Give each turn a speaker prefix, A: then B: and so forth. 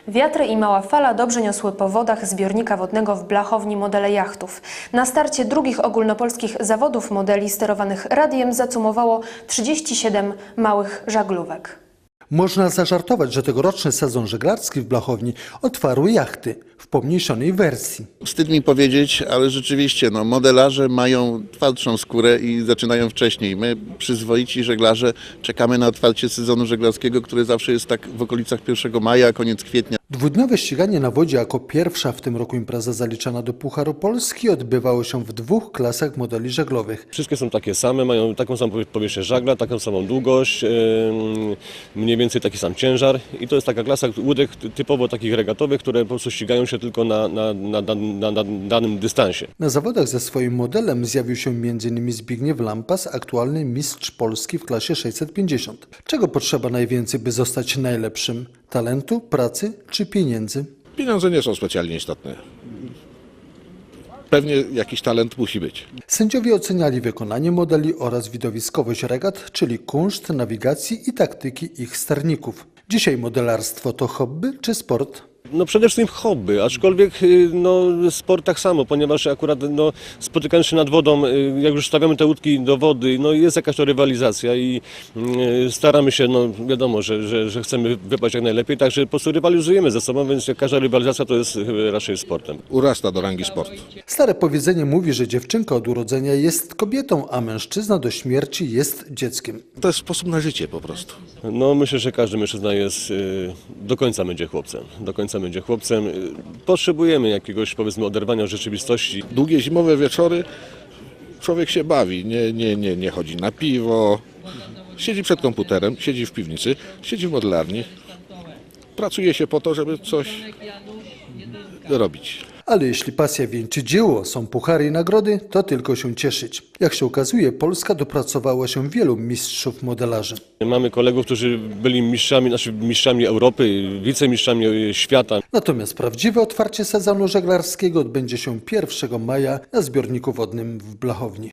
A: Wiatry i mała fala dobrze niosły po wodach zbiornika wodnego w Blachowni modele jachtów. Na starcie drugich ogólnopolskich zawodów modeli sterowanych radiem zacumowało 37 małych żaglówek.
B: Można zażartować, że tegoroczny sezon żeglarski w Blachowni otwarły jachty w pomniejszonej wersji.
C: Wstyd mi powiedzieć, ale rzeczywiście modelarze mają twardszą skórę i zaczynają wcześniej. My, przyzwoici żeglarze, czekamy na otwarcie sezonu żeglarskiego, który zawsze jest tak w okolicach 1 maja, koniec kwietnia.
B: Dwudniowe ściganie na wodzie jako pierwsza w tym roku impreza zaliczana do Pucharu Polski odbywało się w 2 klasach modeli żaglowych.
D: Wszystkie są takie same, mają taką samą powierzchnię żagla, taką samą długość, mniej więcej taki sam ciężar i to jest taka klasa łódek typowo takich regatowych, które po prostu ścigają się tylko na danym dystansie.
B: Na zawodach ze swoim modelem zjawił się m.in. Zbigniew Lampas, aktualny mistrz Polski w klasie 650. Czego potrzeba najwięcej, by zostać najlepszym? Talentu, pracy czy pieniędzy?
E: Pieniądze nie są specjalnie istotne. Pewnie jakiś talent musi być.
B: Sędziowie oceniali wykonanie modeli oraz widowiskowość regat, czyli kunszt, nawigacji i taktyki ich sterników. Dzisiaj modelarstwo to hobby czy sport?
D: Przede wszystkim hobby, aczkolwiek sport tak samo, ponieważ akurat spotykając się nad wodą, jak już stawiamy te łódki do wody, jest jakaś to rywalizacja i staramy się, wiadomo, że chcemy wypaść jak najlepiej, także po prostu rywalizujemy ze sobą, więc każda rywalizacja to jest raczej sportem.
E: Urasta do rangi sportu.
B: Stare powiedzenie mówi, że dziewczynka od urodzenia jest kobietą, a mężczyzna do śmierci jest dzieckiem.
E: To jest sposób na życie po prostu.
D: Myślę, że każdy mężczyzna jest, do końca będzie chłopcem. Potrzebujemy jakiegoś, powiedzmy, oderwania od rzeczywistości.
E: Długie zimowe wieczory człowiek się bawi, nie chodzi na piwo, siedzi przed komputerem, siedzi w piwnicy, siedzi w modelarni. Pracuje się po to, żeby coś robić.
B: Ale jeśli pasja wieńczy dzieło, są puchary i nagrody, to tylko się cieszyć. Jak się okazuje, Polska dopracowała się wielu mistrzów modelarzy.
D: Mamy kolegów, którzy byli mistrzami Europy, wicemistrzami świata.
B: Natomiast prawdziwe otwarcie sezonu żeglarskiego odbędzie się 1 maja na zbiorniku wodnym w Blachowni.